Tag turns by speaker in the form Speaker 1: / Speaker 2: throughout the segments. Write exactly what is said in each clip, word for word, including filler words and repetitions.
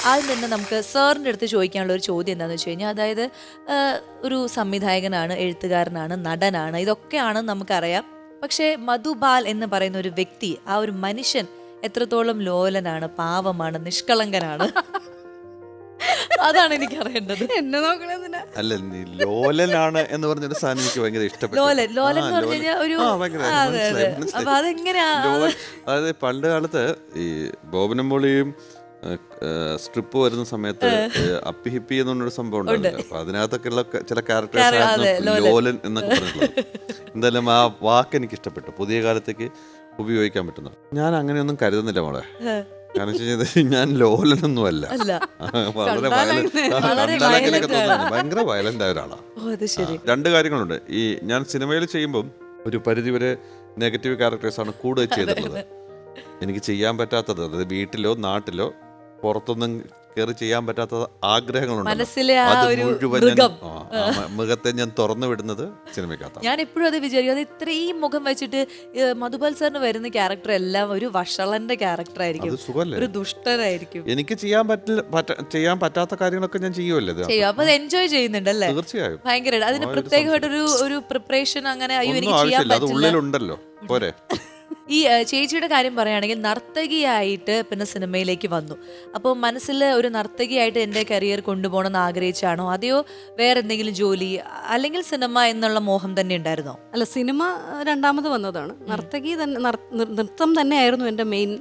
Speaker 1: ആദ്യം തന്നെ നമുക്ക് സാറിൻ്റെ അടുത്ത് ചോദിക്കാനുള്ള ഒരു ചോദ്യം എന്താണെന്ന് വെച്ച് കഴിഞ്ഞാൽ, അതായത് ഒരു സംവിധായകനാണ്, എഴുത്തുകാരനാണ്, നടനാണ്, ഇതൊക്കെയാണ് നമുക്കറിയാം. പക്ഷേ മധുബാൽ എന്ന് പറയുന്ന ഒരു വ്യക്തി, ആ ഒരു മനുഷ്യൻ എത്രത്തോളം ലോലനാണ്, പാവമാണ്, നിഷ്കളങ്കനാണ്? അതാണ് എനിക്ക് അറിയേണ്ടത്.
Speaker 2: എന്നെ നോക്കണതിന
Speaker 3: അല്ല, നീ ലോലനാണ് എന്ന് പറഞ്ഞൊരു സാധനം എനിക്ക് ഭയങ്കര ഇഷ്ടപ്പെട്ടു.
Speaker 1: ലോലൻ ലോലൻ എന്ന് പറഞ്ഞു കഴിഞ്ഞാൽ ഒരു
Speaker 3: ആ, ഭയങ്കര
Speaker 1: അതെ അതെ.
Speaker 3: മനസ്സിലായി,
Speaker 1: അപ്പൊ
Speaker 3: മനസ്സിലായി.
Speaker 1: അതെങ്ങനെയാ?
Speaker 3: ലോലൻ, അതായത് പണ്ട് കാലത്ത് ഈ ബോബനും മോളിയും സ്ട്രിപ്പ് വരുന്ന സമയത്ത് അപ്പി ഹിപ്പി എന്ന് പറഞ്ഞൊരു സംഭവം ഉണ്ടാവില്ല. അപ്പൊ അതിനകത്തൊക്കെ ഉള്ള ചില ക്യാരക്ടേഴ്സ് ആയിരുന്നു ലോലൻ എന്നൊക്കെ പറഞ്ഞിട്ടുള്ളത്. എന്തായാലും ആ വാക്ക് എനിക്ക് ഇഷ്ടപ്പെട്ടു, പുതിയ കാലത്തേക്ക് ഉപയോഗിക്കാൻ പറ്റുന്നത്. ഞാൻ അങ്ങനെയൊന്നും കരുതുന്നില്ല മോളെ. കാരണം വെച്ച് കഴിഞ്ഞാൽ ഞാൻ ലോലനൊന്നും അല്ല, വളരെ വയലന്റ്, ഭയങ്കര വയലന്റ് ആയ ഒരാളാണ്. രണ്ട് കാര്യങ്ങളുണ്ട്. ഈ ഞാൻ സിനിമയിൽ ചെയ്യുമ്പം ഒരു പരിധിവരെ നെഗറ്റീവ് ക്യാരക്ടേഴ്സാണ് കൂടുതൽ ചെയ്തിട്ടുള്ളത്. എനിക്ക് ചെയ്യാൻ പറ്റാത്തത്, അതായത് വീട്ടിലോ നാട്ടിലോ പുറത്തൊന്നും കയറി ചെയ്യാൻ പറ്റാത്ത ആഗ്രഹങ്ങളുണ്ട്. അത് മുഴുവൻ മുഖത്തെ ഞാൻ തുറന്നു വിടുന്നത് സിനിമയ്ക്കകത്താണ്.
Speaker 1: ഞാൻ എപ്പോഴും അത് വിചാരിക്കും, അത് ഇത്രയും മുഖം വെച്ചിട്ട് മധുബാൽ സാറിന് വരുന്ന ക്യാരക്ടർ എല്ലാം ഒരു വഷളന്റെ ക്യാരക്ടർ ആയിരിക്കും, ഒരു ദുഷ്ടനായിരിക്കും.
Speaker 3: എനിക്ക് ചെയ്യാൻ പറ്റില്ല, ചെയ്യാൻ പറ്റാത്ത കാര്യങ്ങളൊക്കെ ഞാൻ ചെയ്യുമല്ലോ
Speaker 1: ചെയ്യും. അപ്പൊ അത് എൻജോയ് ചെയ്യുന്നുണ്ടല്ലേ?
Speaker 3: തീർച്ചയായും.
Speaker 1: ഭയങ്കര അതിന് പ്രത്യേകമായിട്ടൊരു ഒരു പ്രിപ്പറേഷൻ അങ്ങനെ അയ്യോ എനിക്ക് ചെയ്യാൻ
Speaker 3: ആവശ്യമില്ല, അത്
Speaker 1: പറ്റില്ല.
Speaker 3: ഉള്ളിലുണ്ടല്ലോ പോരെ.
Speaker 1: ഈ ചേച്ചിയുടെ കാര്യം പറയുകയാണെങ്കിൽ നർത്തകിയായിട്ട് പിന്നെ സിനിമയിലേക്ക് വന്നു. അപ്പോൾ മനസ്സിൽ ഒരു നർത്തകിയായിട്ട് എൻ്റെ കരിയർ കൊണ്ടുപോകണം എന്ന് ആഗ്രഹിച്ചാണോ, അതെയോ വേറെ എന്തെങ്കിലും ജോലി, അല്ലെങ്കിൽ സിനിമ എന്നുള്ള മോഹം തന്നെ ഉണ്ടായിരുന്നോ?
Speaker 2: അല്ല, സിനിമ രണ്ടാമത് വന്നതാണ്. നർത്തകി തന്നെ, നൃത്തം തന്നെയായിരുന്നു എൻ്റെ മെയിൻ.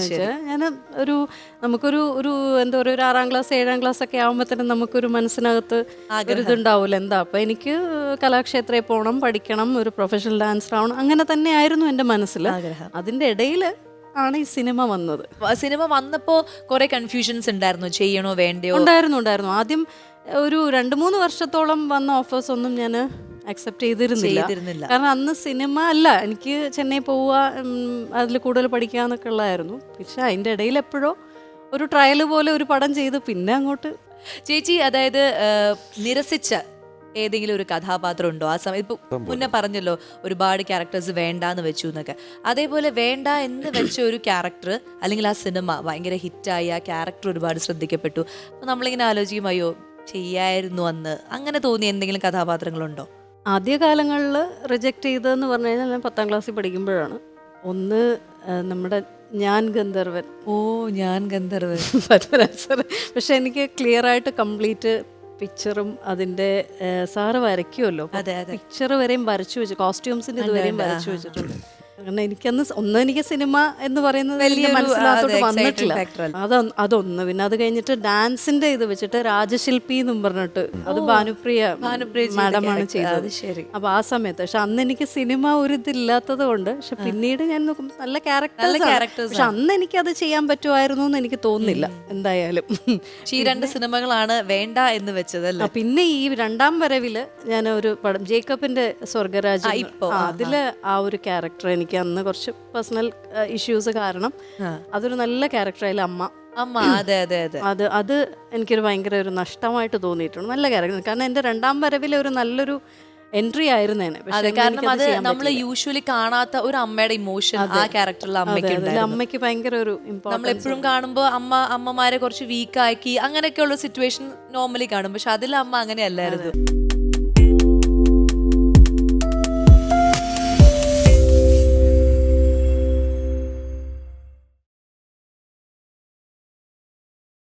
Speaker 2: ഞാൻ ഒരു നമുക്കൊരു ഒരു എന്താ പറയുക, ഒരു ആറാം ക്ലാസ് ഏഴാം ക്ലാസ് ഒക്കെ ആകുമ്പോഴത്തേനും നമുക്കൊരു മനസ്സിനകത്ത് ഒരു ഇതുണ്ടാവില്ല, എന്താ അപ്പം എനിക്ക് കലാക്ഷേത്രയിൽ പോകണം, പഠിക്കണം, ഒരു പ്രൊഫഷണൽ ഡാൻസർ ആവണം, അങ്ങനെ തന്നെയായിരുന്നു എൻ്റെ മനസ്സിൽ. അതിന്റെ ഇടയിൽ ആണ് ഈ സിനിമ വന്നത്.
Speaker 1: സിനിമ വന്നപ്പോ കുറെ കൺഫ്യൂഷൻസ് ഉണ്ടായിരുന്നു, ചെയ്യണോ വേണ്ടയോ?
Speaker 2: ഉണ്ടായിരുന്നു ഉണ്ടായിരുന്നു ആദ്യം ഒരു രണ്ട് മൂന്ന് വർഷത്തോളം വന്ന ഓഫേഴ്സ് ഒന്നും ഞാൻ അക്സെപ്റ്റ് ചെയ്തിരുന്നില്ല. കാരണം അന്ന് സിനിമ അല്ല, എനിക്ക് ചെന്നൈ പോവുക, അതിൽ കൂടുതൽ പഠിക്കുക എന്നൊക്കെ ഉള്ളതായിരുന്നു. പക്ഷെ അതിൻ്റെ ഇടയിൽ എപ്പോഴോ ഒരു ട്രയൽ പോലെ ഒരു പടം ചെയ്ത് പിന്നെ അങ്ങോട്ട്.
Speaker 1: ചേച്ചി അതായത് നിരസിച്ച ഏതെങ്കിലും ഒരു കഥാപാത്രം ഉണ്ടോ ആ സമയം? ഇപ്പൊ മുന്നേ പറഞ്ഞല്ലോ ഒരുപാട് ക്യാരക്ടേഴ്സ് വേണ്ടാന്ന് വെച്ചു എന്നൊക്കെ. അതേപോലെ വേണ്ട എന്ന് വെച്ച ഒരു ക്യാരക്ടർ, അല്ലെങ്കിൽ ആ സിനിമ ഭയങ്കര ഹിറ്റായി, ആ ക്യാരക്ടർ ഒരുപാട് ശ്രദ്ധിക്കപ്പെട്ടു, അപ്പൊ നമ്മളിങ്ങനെ ആലോചിക്കും അയ്യോ ചെയ്യായിരുന്നു അന്ന്, അങ്ങനെ തോന്നിയ എന്തെങ്കിലും കഥാപാത്രങ്ങളുണ്ടോ?
Speaker 2: ആദ്യകാലങ്ങളിൽ റിജക്റ്റ് ചെയ്തതെന്ന് പറഞ്ഞു കഴിഞ്ഞാൽ ഞാൻ പത്താം ക്ലാസ്സിൽ പഠിക്കുമ്പോഴാണ്. ഒന്ന് നമ്മുടെ ഞാൻ ഗന്ധർവൻ.
Speaker 1: ഓ, ഞാൻ ഗന്ധർവൻ
Speaker 2: പത്മരാജ്. പക്ഷെ എനിക്ക് ക്ലിയർ ആയിട്ട് കംപ്ലീറ്റ് പിക്ചറും അതിന്റെ സാറ് വരയ്ക്കുമല്ലോ, പിക്ചർ വരെയും വരച്ചു വെച്ചു, കോസ്റ്റ്യൂംസിന്റെ ഇതുവരെയും വരച്ചു വെച്ചിട്ടുണ്ട്. കാരണം എനിക്കന്ന് ഒന്ന് എനിക്ക് സിനിമ എന്ന് പറയുന്നത് വലിയ മനസ്സിലാത്തോട്ട് വന്നിട്ടില്ല. അത് അതൊന്ന്. പിന്നെ അത് കഴിഞ്ഞിട്ട് ഡാൻസിന്റെ ഇത് വെച്ചിട്ട് രാജശില്പി എന്നും പറഞ്ഞിട്ട്, അത് ഭാനുപ്രിയ മാഡമാണ് ചെയ്തത്. അപ്പൊ ആ സമയത്ത് പക്ഷെ അന്ന് എനിക്ക് സിനിമ ഒരു ഇതില്ലാത്തത് കൊണ്ട്, പക്ഷെ പിന്നീട് ഞാൻ നോക്കും നല്ല ക്യാരക്ടേഴ്സ്, പക്ഷെ അന്ന് എനിക്ക് അത് ചെയ്യാൻ പറ്റുമായിരുന്നു എന്ന് എനിക്ക് തോന്നുന്നില്ല എന്തായാലും.
Speaker 1: ഈ രണ്ട് സിനിമകളാണ് വേണ്ട എന്ന് വെച്ചതല്ല.
Speaker 2: പിന്നെ ഈ രണ്ടാം വരവില് ഞാൻ ഒരു പടം ജേക്കബിന്റെ സ്വർഗരാജ്, അതില് ആ ഒരു ക്യാരക്ടർ എനിക്ക് അന്ന് കുറച്ച് പേഴ്സണൽ ഇഷ്യൂസ് കാരണം അതൊരു നല്ല ക്യാരക്ടറായാലും അമ്മ
Speaker 1: അമ്മ അതെ അതെ അതെ
Speaker 2: അത് അത് എനിക്കൊരു ഭയങ്കര ഒരു നഷ്ടമായിട്ട് തോന്നിയിട്ടുണ്ട്. നല്ല ക്യാരക്ടർ, കാരണം എൻ്റെ രണ്ടാം വരവിലെ ഒരു നല്ലൊരു എൻട്രി ആയിരുന്നേനെ.
Speaker 1: കാരണം അത് നമ്മൾ യൂഷ്വലി കാണാത്ത ഒരു അമ്മയുടെ ഇമോഷൻ ആ ക്യാരക്ടറിൽ അമ്മയ്ക്ക്
Speaker 2: അമ്മയ്ക്ക് ഭയങ്കര ഒരു
Speaker 1: നമ്മൾ എപ്പോഴും കാണുമ്പോൾ അമ്മ അമ്മമാരെ കുറച്ച് വീക്ക് ആക്കി അങ്ങനെയൊക്കെയുള്ള സിറ്റുവേഷൻ നോർമലി കാണും. പക്ഷെ അതിൽ അമ്മ അങ്ങനെയല്ലായിരുന്നു.